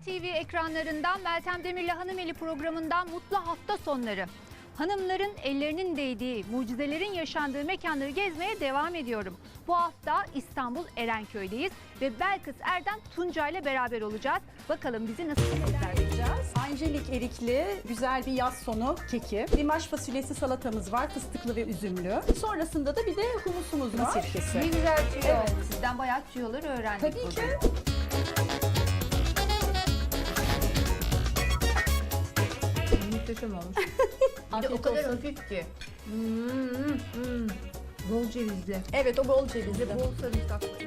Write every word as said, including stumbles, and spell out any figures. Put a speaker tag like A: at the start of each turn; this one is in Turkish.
A: T V ekranlarından Meltem Demir'le Hanımeli programından mutlu hafta sonları. Hanımların ellerinin değdiği, mucizelerin yaşandığı mekanları gezmeye devam ediyorum. Bu hafta İstanbul Erenköy'deyiz ve Belkıs Erdem Tunca ile beraber olacağız. Bakalım bizi nasıl
B: yapacağız? Angelik erikli güzel bir yaz sonu keki. Limaş fasulyesi salatamız var, fıstıklı ve üzümlü. Sonrasında da bir de humusumuz var. Sirkesi.
A: Ne güzel tüyo.
B: Evet.
A: Sizden bayağı tüyoları öğrendik.
B: Tabii ki.
A: Muhteşem olmuş. Bir de o
B: Afiyet
A: kadar
B: olsun.
A: hafif ki. Hmm, hmm. Bol cevizli.
B: Evet, o bol cevizli.
A: Bol sarımsaklı.